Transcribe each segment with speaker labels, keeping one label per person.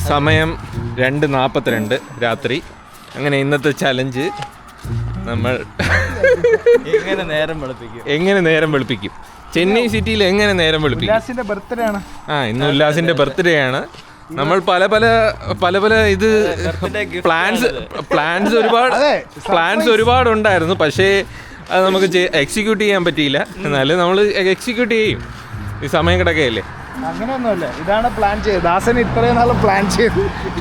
Speaker 1: സമയം 2:42 രാത്രി. അങ്ങനെ ഇന്നത്തെ ചലഞ്ച് നമ്മൾ എങ്ങനെ നേരം വെളുപ്പിക്കും, ചെന്നൈ സിറ്റിയിൽ എങ്ങനെ നേരം വെളുപ്പിക്കും. ഇന്ന് ഉല്ലാസിന്റെ ബർത്ത്ഡേ ആണ്. നമ്മൾ പല ഇത് പ്ലാൻസ് ഒരുപാടുണ്ടായിരുന്നു. പക്ഷേ അത് നമുക്ക് എക്സിക്യൂട്ട് ചെയ്യാൻ പറ്റിയില്ല. എന്നാലും നമ്മൾ എക്സിക്യൂട്ട് ചെയ്യും. ഈ സമയം കിടക്കുകയല്ലേ.
Speaker 2: അങ്ങനെയൊന്നുമല്ല, ഇതാണ് പ്ലാൻ ചെയ്തത്. ദാസൻ ഇത്രയും നാൾ പ്ലാൻ ചെയ്തു,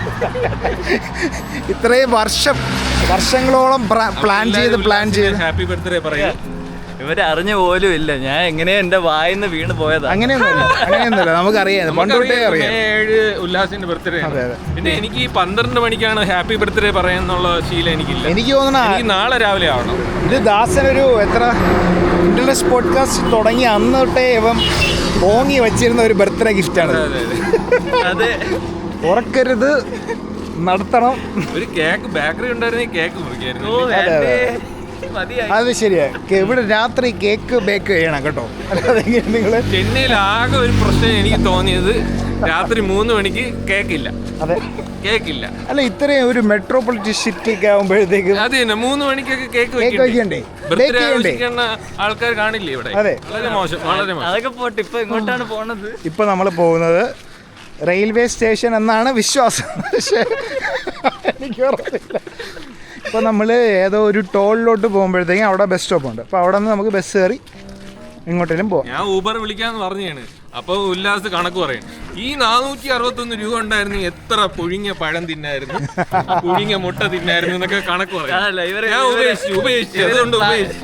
Speaker 2: ഇത്രയും വർഷങ്ങളോളം പ്ലാൻ ചെയ്ത്
Speaker 1: ഹാപ്പി ബർത്ത്ഡേ പറയാം.
Speaker 3: ഇവരെ അറിഞ്ഞ പോലും ഇല്ല ഞാൻ എങ്ങനെയാ എന്റെ വായിന്ന് വീണ് പോയത്.
Speaker 2: അങ്ങനെയൊന്നുമല്ല, നമുക്കറിയാം, പണ്ടോട്ടേ അറിയാം.
Speaker 1: 7 ഉല്ലാസിന്റെ ബർത്ത്ഡേ. പിന്നെ എനിക്ക് ഈ 12 മണിക്കാണ് ഹാപ്പി ബർത്ത്ഡേ പറയാന്നുള്ള ശീലം എനിക്കില്ല.
Speaker 2: എനിക്ക് തോന്നുന്നു
Speaker 1: എനിക്ക് നാളെ രാവിലെ ആവണം.
Speaker 2: ഇത് ദാസൻ ഒരു ഇന്റർനെറ്റ് പോഡ്കാസ്റ്റ് തുടങ്ങി അന്ന് തൊട്ടേ ഇവൻ ഓങ്ങി വെച്ചിരുന്ന ഒരു ബർത്ത്ഡേ ഗിഫ്റ്റാണ്.
Speaker 3: അതെ,
Speaker 2: ഉറക്കരുത്, നടത്തണം.
Speaker 1: ഒരു കേക്ക് ബേക്കറി ഉണ്ടായിരുന്നെങ്കിൽ കേക്ക് മുറിക്കായിരുന്നു.
Speaker 2: അത് ശരിയാ. ഇവിടെ രാത്രി കേക്ക് ബേക്ക് ചെയ്യണം കേട്ടോ. അല്ലാതെ നിങ്ങൾ
Speaker 1: ചെന്നൈയിൽ ആകെ ഒരു പ്രശ്നം എനിക്ക് തോന്നിയത് രാത്രി 3 മണിക്ക് കേക്കില്ല.
Speaker 2: അതെ,
Speaker 1: കേക്കില്ല.
Speaker 2: അല്ല, ഇത്രയും ഒരു മെട്രോപൊളിറ്റൻ സിറ്റി ആകുമ്പോഴത്തേക്കും
Speaker 1: അത് തന്നെ 3 മണിക്കൊക്കെ കേക്ക്
Speaker 2: വെക്കണ്ടേ,
Speaker 1: ആൾക്കാർ കാണില്ലേ ഇവിടെ.
Speaker 2: അതെ,
Speaker 1: വളരെ മോശം, വളരെ മോശം.
Speaker 3: അതൊക്കെ പോട്ടെ, ഇപ്പൊ എങ്ങോട്ടാണ് പോണത്?
Speaker 2: ഇപ്പൊ നമ്മൾ പോകുന്നത് റെയിൽവേ സ്റ്റേഷൻ എന്നാണ് വിശ്വാസം. പക്ഷേ എനിക്ക് ഓർമ്മയില്ല. ഇപ്പോൾ നമ്മൾ ഏതോ ഒരു ടോളിലോട്ട് പോകുമ്പോഴത്തേക്കും അവിടെ ബസ് സ്റ്റോപ്പ് ഉണ്ട്. അപ്പോൾ അവിടെ നിന്ന് നമുക്ക് ബസ് കയറി എങ്ങോട്ടേലും പോകാം.
Speaker 1: ഞാൻ ഊബർ വിളിക്കാന്ന് പറഞ്ഞാണ്. അപ്പോൾ ഉല്ലാസ് കണക്ക് പറയും, ഈ 461 രൂപ ഉണ്ടായിരുന്നു എത്ര പുഴുങ്ങിയ പഴം തിന്നായിരുന്നു, പുഴുങ്ങിയ മുട്ട തിന്നായിരുന്നു എന്നൊക്കെ കണക്ക് പറയും. ഞാൻ ഉപേക്ഷിച്ചു. അതുകൊണ്ട്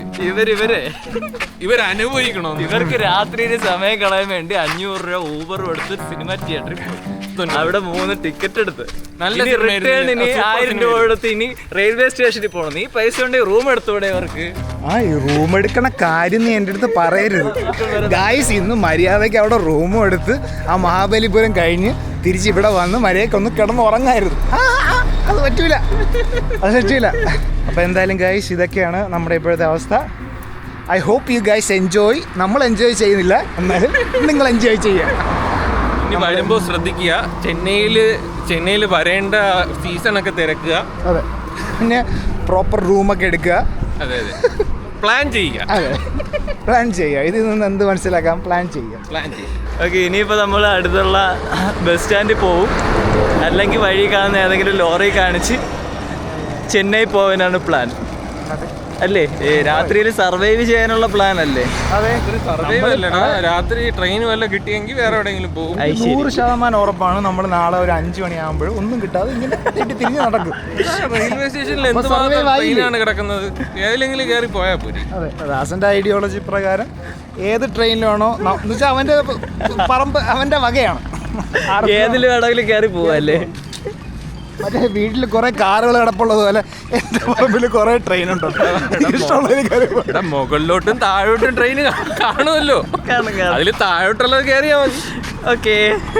Speaker 1: ഇവരനുഭവിക്കണോ?
Speaker 3: ഇവർക്ക് രാത്രിയിൽ സമയം കളയാൻ വേണ്ടി 500 രൂപ ഊബർ എടുത്ത് സിനിമ തിയേറ്ററിൽ പോയി. അവിടെ 3 ടിക്കറ്റ് എടുത്ത് റിട്ടേൺ ഇനി 1000 രൂപ എടുത്ത് ഇനി റെയിൽവേ സ്റ്റേഷനിൽ പോകണം. നീ പൈസ കൊണ്ട് റൂം എടുത്തൂടെ അവർക്ക്?
Speaker 2: ഈ റൂം എടുക്കണ കാര്യം നീ എൻ്റെ അടുത്ത് പറയരുത് ഗായ്സ്. ഇന്ന് മര്യാദയ്ക്ക് അവിടെ റൂമും എടുത്ത് ആ മഹാബലിപുരം കഴിഞ്ഞ് തിരിച്ച് ഇവിടെ വന്ന് മര്യാദയ്ക്ക് ഒന്ന് കിടന്ന് ഉറങ്ങായിരുന്നു. അത് പറ്റൂല. അപ്പോൾ എന്തായാലും ഗായ്സ്, ഇതൊക്കെയാണ് നമ്മുടെ ഇപ്പോഴത്തെ അവസ്ഥ. I hope you guys enjoy. നമ്മൾ എൻജോയ് ചെയ്യുന്നില്ല, എന്നാലും നിങ്ങൾ എൻജോയ് ചെയ്യുക.
Speaker 1: ഇനി വരുമ്പോൾ ശ്രദ്ധിക്കുക, ചെന്നൈയിൽ വരേണ്ട സീസണൊക്കെ തിരക്കുക.
Speaker 2: അതെ, പിന്നെ പ്രോപ്പർ റൂമൊക്കെ എടുക്കുക.
Speaker 1: അതെ, പ്ലാൻ ചെയ്യുക.
Speaker 2: ഇതിൽ നിന്ന് എന്ത് മനസ്സിലാക്കാം? പ്ലാൻ ചെയ്യുക.
Speaker 3: ഓക്കെ, ഇനിയിപ്പോൾ നമ്മൾ അടുത്തുള്ള ബസ് സ്റ്റാൻഡിൽ പോവും, അല്ലെങ്കിൽ വഴി കാണുന്ന ഏതെങ്കിലും ലോറി കാണിച്ച് ചെന്നൈ പോകാനാണ് പ്ലാൻ അല്ലേ? രാത്രിയിൽ സർവൈവ് ചെയ്യാനുള്ള പ്ലാൻ അല്ലേ?
Speaker 2: അതെ,
Speaker 1: സർവൈവ് അല്ലടാ, രാത്രി ട്രെയിൻ വല്ല കിട്ടിയെങ്കിൽ വേറെ എവിടെയെങ്കിലും പോകും.
Speaker 2: 100% ഉറപ്പാണ്. നമ്മൾ നാളെ ഒരു 5 മണിയാകുമ്പോഴും ഒന്നും കിട്ടാതെ ഇങ്ങനെ തിരിഞ്ഞ് നടക്കും.
Speaker 1: റെയിൽവേ സ്റ്റേഷനിൽ എന്തുമാത്രം ട്രെയിനാണ് കിടക്കുന്നത്, ഏതിലെങ്കിലും കയറി പോയാൽ പോരി.
Speaker 2: അതെ, ദാസന്റെ ഐഡിയോളജി പ്രകാരം ഏത് ട്രെയിനിലാണോ എന്ന് വെച്ചാൽ അവന്റെ പറമ്പ് അവന്റെ വകയാണ്.
Speaker 3: ഏതിൽ വേണമെങ്കിലും കയറി പോവല്ലേ?
Speaker 2: മറ്റേ വീട്ടിൽ കുറെ കാറുകൾ കിടപ്പുള്ളത് പോലെ എന്റെ പറമ്പിൽ കുറെ ട്രെയിൻ ഉണ്ടോ?
Speaker 1: മുകളിലോട്ടും താഴോട്ടും ട്രെയിൻ കാണുമല്ലോ, അതിൽ താഴോട്ടുള്ളത് കയറിയാ മതി.
Speaker 3: ഓക്കെ,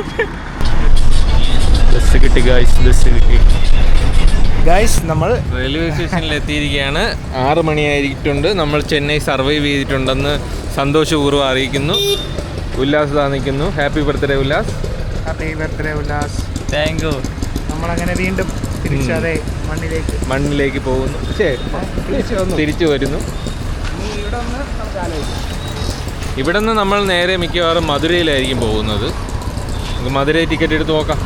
Speaker 1: ബസ് കിട്ടി
Speaker 2: ഗൈസ്. നമ്മൾ
Speaker 1: റെയിൽവേ സ്റ്റേഷനിൽ എത്തിയിരിക്കുകയാണ്. 6 മണിയായിട്ടുണ്ട്. നമ്മൾ ചെന്നൈ സർവൈവ് ചെയ്തിട്ടുണ്ടെന്ന് സന്തോഷപൂർവ്വം അറിയിക്കുന്നു. ഉല്ലാസ് നിൽക്കുന്നു. Happy birthday Ullas.
Speaker 2: Happy birthday Ullas.
Speaker 3: Thank you.
Speaker 2: നമ്മളങ്ങനെ വീണ്ടും തിരിച്ചതേ
Speaker 1: മണ്ണിലേക്ക് പോകുന്നു. തിരിച്ചു വരുന്നു. ഇവിടെ നിന്ന് നമ്മൾ നേരെ മിക്കവാറും മധുരയിലായിരിക്കും പോകുന്നത്. നമുക്ക് മധുരൈ ടിക്കറ്റ് എടുത്ത് നോക്കാം.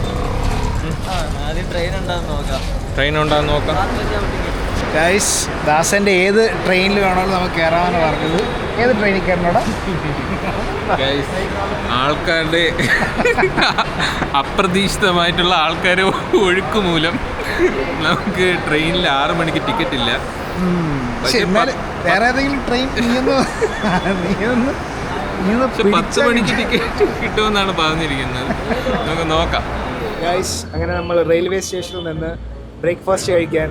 Speaker 1: ട്രെയിൻ ഉണ്ടാകുന്ന നോക്കാം.
Speaker 2: ഗൈസ്, ദാസന്റെ ഏത് ട്രെയിനിൽ വേണമെങ്കിലും നമുക്ക് കയറാമെന്ന് പറഞ്ഞത്. ഏത് ട്രെയിനിൽ കയറണോടാ?
Speaker 1: ആൾക്കാരുടെ അപ്രതീക്ഷിതമായിട്ടുള്ള ആൾക്കാരെ ഒഴുക്ക് മൂലം നമുക്ക് ട്രെയിനിൽ 6 മണിക്ക് ടിക്കറ്റ് ഇല്ല.
Speaker 2: വേറെ ഏതെങ്കിലും ട്രെയിൻ
Speaker 1: 10 മണിക്ക് ടിക്കറ്റ് കിട്ടുമെന്നാണ് പറഞ്ഞിരിക്കുന്നത്. നമുക്ക് നോക്കാം.
Speaker 2: ഗൈസ്, അങ്ങനെ നമ്മൾ റെയിൽവേ സ്റ്റേഷനിൽ നിന്ന് ബ്രേക്ക്ഫാസ്റ്റ് കഴിക്കാൻ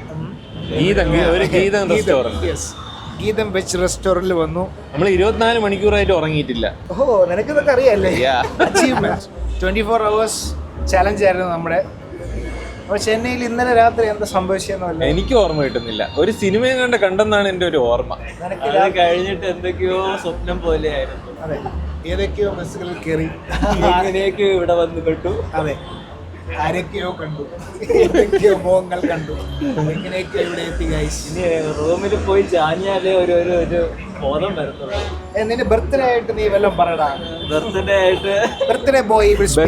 Speaker 2: ഗീതം വെച്ച് റെസ്റ്റോറൻറ്റിൽ വന്നു.
Speaker 1: നമ്മൾ 24 മണിക്കൂറായിട്ട് ഉറങ്ങിയിട്ടില്ല.
Speaker 2: ഓഹോ, നിനക്കിതൊക്കെ അറിയാല്ലേ? അച്ചീവ്മെന്റ്. 24 hours ചലഞ്ച് ആയിരുന്നു നമ്മുടെ. അപ്പോൾ ചെന്നൈയിൽ ഇന്നലെ രാത്രി എന്താ സംഭവിച്ചെന്നല്ല
Speaker 1: എനിക്ക് ഓർമ്മ കിട്ടുന്നില്ല. ഒരു സിനിമയും കണ്ടെന്നാണ് എൻ്റെ ഒരു ഓർമ്മ.
Speaker 3: കഴിഞ്ഞിട്ട് എന്തൊക്കെയോ സ്വപ്നം പോലെയായിരുന്നു.
Speaker 2: അതെ, ഏതൊക്കെയോ ബസ്സുകളിൽ കയറി
Speaker 3: അങ്ങനെയൊക്കെ ഇവിടെ വന്ന് പെട്ടു.
Speaker 2: അതെ, ആരൊക്കെയോ കണ്ടു, ഏതൊക്കെയോ മുഖങ്ങൾ കണ്ടു, എങ്ങനെയൊക്കെ ഇവിടെ എത്തി ഗൈസ്.
Speaker 3: ഇനി റൂമിൽ പോയി ചാഞ്ഞാലേ ഒരു ഒരു ഒരു ബോധം വരത്തുള്ളൂ.
Speaker 2: നിന്റെ ബർത്ത്ഡേ ആയിട്ട് നീ വല്ലതും പറയടാ.
Speaker 3: ബർത്ത്ഡേ ആയിട്ട്
Speaker 2: ബർത്ത്ഡേ ബോയ്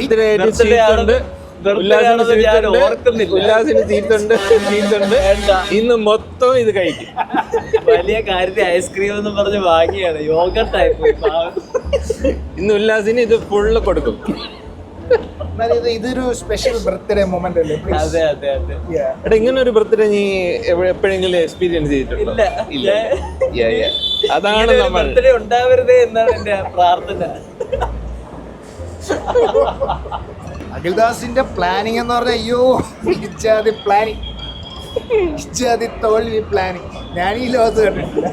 Speaker 1: ഉല്ലാസിന് ചീറ്റുണ്ട്. ഇന്ന് മൊത്തം ഇത് കഴിക്കും.
Speaker 3: വലിയ കാര്യത്തിൽ ഐസ്ക്രീം എന്ന് പറഞ്ഞ് വാങ്ങിയാണ്. യോഗട്ടായി പോയി.
Speaker 1: ഇന്ന് ഉല്ലാസിന് ഇത് ഫുള്ള് കൊടുക്കും.
Speaker 2: ഇതൊരു സ്പെഷ്യൽ ബർത്ത്ഡേ മൊമെന്റ് അല്ലേ?
Speaker 3: അതെ അതെ അതെ.
Speaker 1: എടാ, ഇങ്ങനെ ഒരു ബർത്ത്ഡേ നീ എപ്പോഴെങ്കിലും എക്സ്പീരിയൻസ് ചെയ്തിട്ടുണ്ടോ?
Speaker 3: ഇല്ല.
Speaker 1: അതാണ് നമ്മൾ.
Speaker 3: ബർത്ത്ഡേ ഉണ്ടാവരുതേ എന്നാണ് എന്റെ പ്രാർത്ഥന.
Speaker 2: അഖിൽദാസിന്റെ പ്ലാനിങ് എന്ന് പറഞ്ഞാൽ അയ്യോ ഇച്ചാതി പ്ലാനിങ്, ഇച്ചാതി തോൽവി പ്ലാനിങ് ഞാൻ ഈ ലോകത്ത് കണ്ടിട്ടില്ല.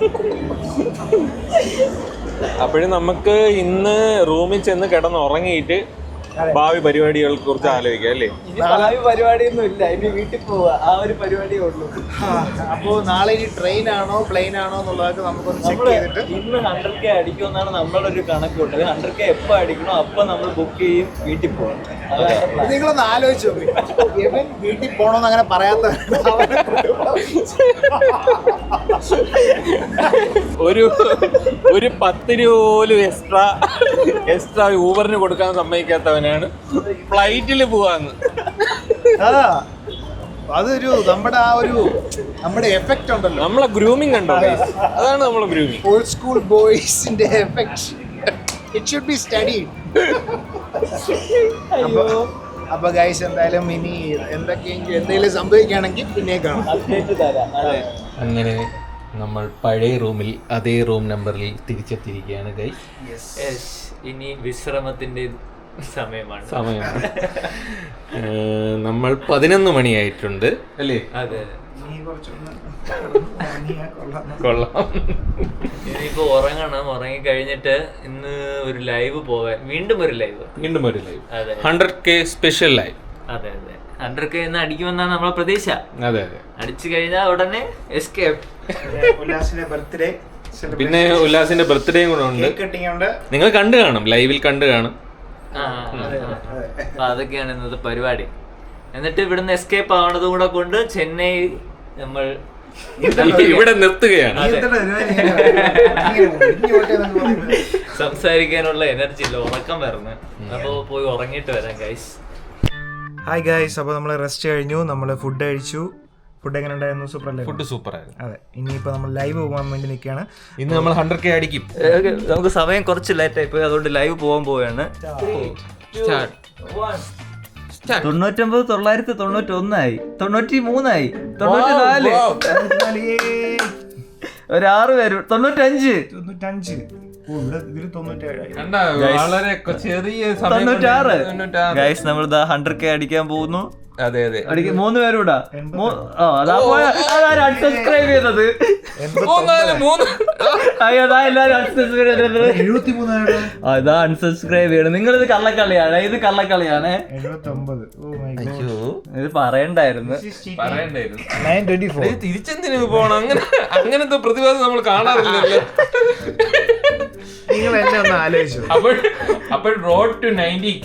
Speaker 1: അപ്പോഴും നമുക്ക് ഇന്ന് റൂമിൽ ചെന്ന് കിടന്ന് ഉറങ്ങിയിട്ട് ഭാവി പരിപാടികളെ കുറിച്ച് ആലോചിക്കാം അല്ലേ?
Speaker 3: ഇനി ഭാവി പരിപാടിയൊന്നും ഇല്ല. ഇനി വീട്ടിൽ പോവാ, ആ ഒരു പരിപാടിയേ ഉള്ളൂ.
Speaker 2: അപ്പോൾ നാളെ ഇനി ട്രെയിൻ ആണോ പ്ലെയിൻ ആണോ എന്നുള്ളതൊക്കെ നമുക്കൊന്ന് ചെക്ക് ചെയ്തിട്ട്
Speaker 3: ഇന്ന് 100K അടിക്കുമെന്നാണ് നമ്മളുടെ ഒരു കണക്കുണ്ട്. 100K എപ്പോൾ അടിക്കണോ അപ്പൊ നമ്മൾ ബുക്ക് ചെയ്യും, വീട്ടിൽ പോകും.
Speaker 2: നിങ്ങളൊന്ന് ആലോചിച്ചു നോക്കി, ഇവൻ വീട്ടിൽ പോകണമെന്ന് അങ്ങനെ പറയാത്ത
Speaker 1: ഒരു 10 രൂപ പോലും എക്സ്ട്രാ ഊബറിന് കൊടുക്കാൻ സമ്മതിക്കാത്തവനാണ് ഫ്ലൈറ്റിൽ പോവാന്ന്.
Speaker 2: അതൊരു നമ്മുടെ എഫക്റ്റ് ഉണ്ടല്ലോ,
Speaker 1: നമ്മളെ ഗ്രൂമിങ് ഉണ്ടോ? അതാണ് നമ്മളെ ഗ്രൂമിങ്.
Speaker 2: ഓൾഡ് സ്കൂൾ ബോയ്സിന്റെ effect. It should be studied. അപ്പൊ ഗൈസ് എന്തായാലും ഇനി എന്തെങ്കിലും സംഭവിക്കുകയാണെങ്കിൽ പിന്നെ കാണാം.
Speaker 3: അപ്ഡേറ്റ് തരാം. അതെ.
Speaker 1: അങ്ങനെ നമ്മൾ പഴയ റൂമിൽ അതേ റൂം നമ്പറിൽ തിരിച്ചെത്തിയിരിക്കുകയാണ് ഗൈസ്.
Speaker 3: ഇനി വിശ്രമത്തിന്റെ സമയമാണ്.
Speaker 1: നമ്മൾ 11 മണിയായിട്ടുണ്ട് അല്ലേ?
Speaker 3: അതെ.
Speaker 1: കൊള്ളാം.
Speaker 3: ഇനിയിപ്പോ ഉറങ്ങണം. ഉറങ്ങി കഴിഞ്ഞിട്ട് ഇന്ന് ഒരു ലൈവ് പോവാൻ, വീണ്ടും ഒരു ലൈവ്. അതെ,
Speaker 1: 100K സ്പെഷ്യൽ ലൈവ്.
Speaker 3: അതെ അതെ. 100K എന്ന് അടിക്കുമെന്നാണ് നമ്മളെ പ്രതീക്ഷ.
Speaker 1: അതെ.
Speaker 3: അടിച്ചു കഴിഞ്ഞാൽ ഉടനെ എസ്കേപ്പ്.
Speaker 2: ഉല്ലാസിന്റെ ബർത്ത്ഡേ,
Speaker 1: പിന്നെ ഉല്ലാസിന്റെ ബർത്ത്ഡേയും കൂടെ ഉണ്ട്. നിങ്ങൾ കണ്ടു കാണും, ലൈവിൽ കണ്ടു കാണും.
Speaker 3: അപ്പൊ അതൊക്കെയാണ് ഇന്നത്തെ പരിപാടി. എന്നിട്ട് ഇവിടുന്ന് എസ്കേപ്പ് ആവണതും കൂടെ കൊണ്ട് ചെന്നൈ നമ്മൾ
Speaker 1: ഇവിടെ നിർത്തുകയാണ്.
Speaker 3: സംസാരിക്കാനുള്ള എനർജി ഇല്ല, ഉറക്കം വരുന്നത്. അപ്പൊ പോയി ഉറങ്ങിയിട്ട് വരാം ഗൈസ്.
Speaker 2: ഹായ് ഗൈസ്, അപ്പോൾ നമ്മൾ റെസ്റ്റ് കഴിഞ്ഞു, നമ്മൾ ഫുഡ് കഴിച്ചു. ഫുഡ് എങ്ങനെ ഉണ്ടായിരുന്നു? സൂപ്പർ അല്ലേ?
Speaker 1: ഫുഡ് സൂപ്പർ ആയിരുന്നു.
Speaker 2: അതെ, ഇനിയിപ്പോൾ നമ്മൾ ലൈവ് പോകാൻ വേണ്ടി നിൽക്കുകയാണ്.
Speaker 1: ഇന്ന് നമ്മൾ 100K അടിക്കും.
Speaker 3: നമുക്ക് സമയം കുറച്ച് ലേറ്റ് ആയി പോയി, അതുകൊണ്ട് ലൈവ് പോകാൻ പോവുകയാണ്. 99, 991 ആയി, 93 ആയി, 94, ഒരു 6 പേര്, 95,
Speaker 1: വളരെ ചെറിയ
Speaker 3: 96. ഗൈസ് നമ്മൾ 100K അടിക്കാൻ പോകുന്നു.
Speaker 1: അതെ
Speaker 3: 3 പേരൂടാ. അൺസബ്സ്ക്രൈബ് ചെയ്തത്. അതാ അൺസബ്സ്ക്രൈബ് ചെയ്യണം. നിങ്ങളിത് കള്ളക്കളിയാണ്, ഇത് കള്ളക്കളിയാണ്. ഇത് പറയണ്ടായിരുന്നു.
Speaker 1: തിരിച്ചെന്തിനു പോണം? അങ്ങനത്തെ പ്രതിഭാസം നമ്മൾ കാണാറില്ലല്ലോ.
Speaker 2: നിങ്ങൾ എന്നെ ഒന്ന് ആലോചിച്ചു.
Speaker 1: അപ്പോൾ റോഡ് ടു 90K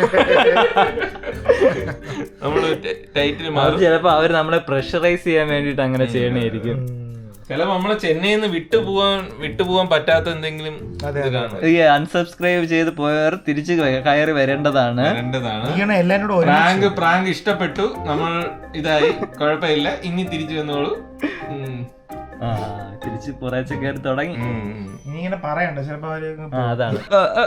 Speaker 1: നമ്മള് ടൈറ്റിൽ മാറും.
Speaker 3: ചിലപ്പോ അവര് നമ്മളെ പ്രഷറൈസ് ചെയ്യാൻ വേണ്ടിട്ട് അങ്ങനെ ചെയ്യണായിരിക്കും.
Speaker 1: ചിലപ്പോ നമ്മളെ ചെന്നൈയിൽ നിന്ന് വിട്ടുപോകാൻ പറ്റാത്ത എന്തെങ്കിലും
Speaker 3: അൺസബ്സ്ക്രൈബ് ചെയ്ത് പോയവർ തിരിച്ച് കയറി വരേണ്ടതാണ്.
Speaker 1: പ്രാങ്ക് ഇഷ്ടപ്പെട്ടു, നമ്മൾ ഇതായി, കുഴപ്പമില്ല, ഇനി തിരിച്ചു വന്നോളൂ.
Speaker 3: തിരിച്ച് കുറേശ്ശെ കയറി തുടങ്ങി.
Speaker 2: ഇങ്ങനെ പറയണ്ട, ചിലപ്പോ
Speaker 3: അതാണ്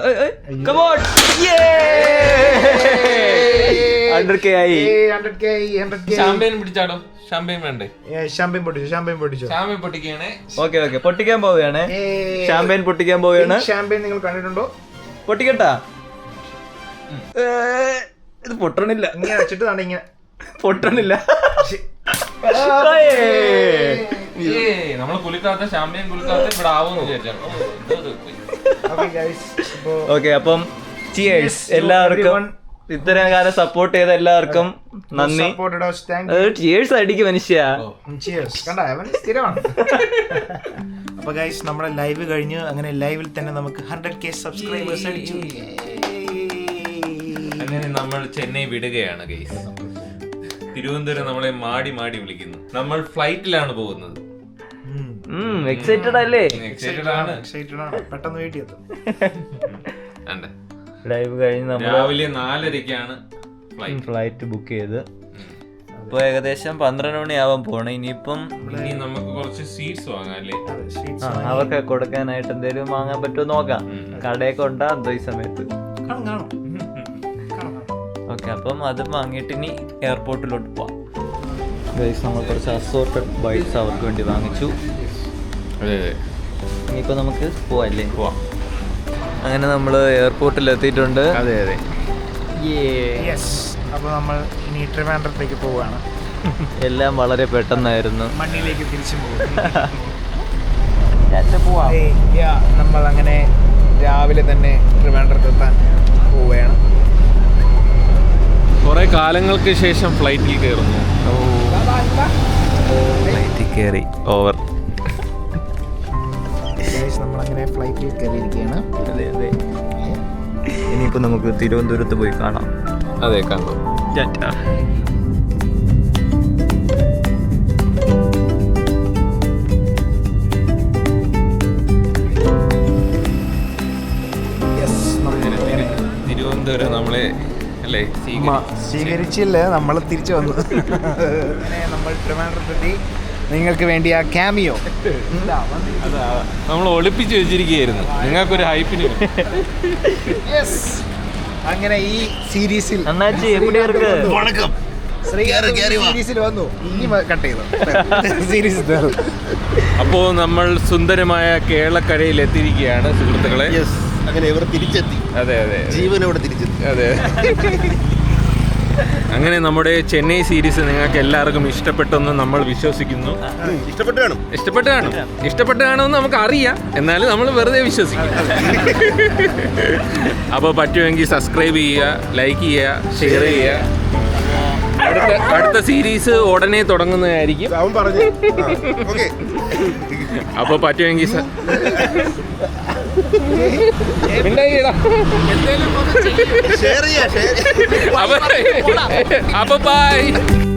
Speaker 3: 100K ആയി.
Speaker 1: ഷാമ്പയിൻ പിടിച്ചാടോ? ഷാമ്പയിൻ വേണ്ടേ?
Speaker 2: ഷാമ്പയിൻ പൊട്ടിച്ചു.
Speaker 1: ഷാമ്പയിൻ പൊട്ടിക്കുകയാണ്.
Speaker 3: ഓക്കെ പൊട്ടിക്കാൻ പോവുകയാണ്. ഷാമ്പയിൻ പൊട്ടിക്കാൻ പോവുകയാണ്.
Speaker 2: ഷാമ്പയിൻ നിങ്ങൾ കണ്ടിട്ടുണ്ടോ?
Speaker 3: പൊട്ടിക്കട്ടാ. ഇത് പൊട്ടണില്ല.
Speaker 2: ഇങ്ങനെ വെച്ചിട്ട് ഇങ്ങനെ
Speaker 3: പൊട്ടണില്ല.
Speaker 1: നമ്മള് കുളിക്കാത്ത ഷാമ്പയിൻ കുളിക്കാത്ത ഇവിടെ ആവുമെന്ന് വിചാരിച്ചാണ്.
Speaker 3: ഓക്കെ, അപ്പം ചിയേഴ്സ് എല്ലാവർക്കും. ഇത്രയും കാലം സപ്പോർട്ട് ചെയ്ത എല്ലാവർക്കും നന്ദി. ചിയേഴ്സ് അടിക്കും മനുഷ്യ.
Speaker 2: അപ്പൊ ഗൈസ്, നമ്മുടെ ലൈവ് കഴിഞ്ഞു. അങ്ങനെ ലൈവിൽ തന്നെ നമുക്ക് 100K സബ്സ്ക്രൈബേഴ്സ് അടിച്ചു.
Speaker 1: അങ്ങനെ നമ്മൾ ചെന്നൈ വിടുകയാണ് ഗൈസ്. തിരുവനന്തപുരം നമ്മളെ മാടി മാടി വിളിക്കുന്നു. നമ്മൾ ഫ്ലൈറ്റിലാണ് പോകുന്നത്.
Speaker 3: എക്സൈറ്റഡ് അല്ലേ?
Speaker 1: എക്സൈറ്റഡ് ആണ്.
Speaker 2: പെട്ടെന്ന് വീട്ടിൽ എത്തും.
Speaker 3: ഡ്രൈവ് കഴിഞ്ഞ് നമ്മൾ
Speaker 1: രാവിലെ 4:30ക്കാണ്
Speaker 3: ഫ്ലൈറ്റ് ബുക്ക് ചെയ്ത്. ഇപ്പൊ ഏകദേശം 12 മണിയാവാൻ പോണേ. ഇനിയിപ്പം
Speaker 1: ഇനി നമുക്ക് കുറച്ച് സ്വീറ്റ്സ് വാങ്ങാം അല്ലേ?
Speaker 3: അവർക്ക് കൊടുക്കാനായിട്ട് എന്തെങ്കിലും വാങ്ങാൻ പറ്റുമോ നോക്കാം. കടയൊക്കെ ഉണ്ടാ എന്തോ ഈ സമയത്ത്. ഓക്കെ, അപ്പം അത് വാങ്ങിയിട്ട് ഇനി എയർപോർട്ടിലോട്ട് പോവാം. ഗൈസ്, നമ്മൾ കുറച്ച് അസോർട്ടഡ് ബൈറ്റ്സ് അവർക്ക് വേണ്ടി വാങ്ങിച്ചു.
Speaker 1: അതെ,
Speaker 3: ഇനിയിപ്പോൾ നമുക്ക് പോവാല്ലേ? പോവാം. അങ്ങനെ നമ്മൾ എയർപോർട്ടിൽ എത്തിയിട്ടുണ്ട്.
Speaker 2: അതെ അതെ, യെസ്. അപ്പോൾ നമ്മൾ ഇനി ട്രിവാൻഡ്രത്തേക്ക് പോവുകയാണ്.
Speaker 3: എല്ലാം വളരെ പെട്ടെന്നായിരുന്നു.
Speaker 2: മണ്ണിലേക്ക് തിരിച്ചു പോവാം. നമ്മൾ അങ്ങനെ രാവിലെ തന്നെ ട്രിവാൻഡ്രത്തെത്താൻ പോവുകയാണ്.
Speaker 1: കുറെ കാലങ്ങൾക്ക് ശേഷം ഫ്ലൈറ്റിൽ കയറുന്നു.
Speaker 3: ഫ്ലൈറ്റിൽ കയറി ഓവർ.
Speaker 2: നമ്മളങ്ങനെ ഫ്ലൈറ്റിൽ കയറിയിരിക്കുകയാണ്.
Speaker 3: അതെ അതെ. ഇനിയിപ്പോൾ നമുക്ക് തിരുവനന്തപുരത്ത് പോയി കാണാം.
Speaker 1: അതെ, കാണാം. തിരുവനന്തപുരം നമ്മളെ അല്ലേ
Speaker 2: സ്വീകരിച്ചില്ല, നമ്മൾ തിരിച്ചു വന്നു. അങ്ങനെ നമ്മൾ ട്രിവാൻഡ്രത്തെത്തി. നിങ്ങൾക്ക് വേണ്ടി ആ ക്യാമിയോ
Speaker 1: നമ്മൾ ഒളിപ്പിച്ച് വെച്ചിരിക്കുകയായിരുന്നു നിങ്ങൾക്കൊരു ഹൈപ്പിന്.
Speaker 2: അങ്ങനെ ഈ സീരീസിൽ
Speaker 3: അണ്ണാച്ചി എവിടെ ഇருக்கு?
Speaker 2: വണക്കം സീരീസിൽ വന്നു. ഇനി കട്ട് ചെയ്തു സീരീസ്.
Speaker 1: അപ്പോൾ നമ്മൾ സുന്ദരമായ കേരളക്കരയിൽ എത്തിയിരിക്കുകയാണ് സുഹൃത്തുക്കളെ.
Speaker 4: അങ്ങനെ ഇവർ തിരിച്ചെത്തി.
Speaker 1: അതെ അതെ,
Speaker 4: ജീവനോടെ തിരിച്ചെത്തി.
Speaker 1: അതെ. അങ്ങനെ നമ്മുടെ ചെന്നൈ സീരീസ് നിങ്ങൾക്ക് എല്ലാവർക്കും ഇഷ്ടപ്പെട്ടെന്ന് നമ്മൾ വിശ്വസിക്കുന്നു. ഇഷ്ടപ്പെട്ട് കാണുമെന്ന് നമുക്ക് അറിയാം, എന്നാലും നമ്മൾ വെറുതെ വിശ്വസിക്കും. അപ്പോൾ പറ്റുമെങ്കിൽ സബ്സ്ക്രൈബ് ചെയ്യുക, ലൈക്ക് ചെയ്യുക, ഷെയർ ചെയ്യുക. അടുത്ത സീരീസ് ഉടനെ തുടങ്ങുന്നതായിരിക്കും. അപ്പോൾ പറ്റുമെങ്കിൽ
Speaker 4: ഷെയർ ചെയ്യാം.
Speaker 1: അപ്പൊ ബൈ.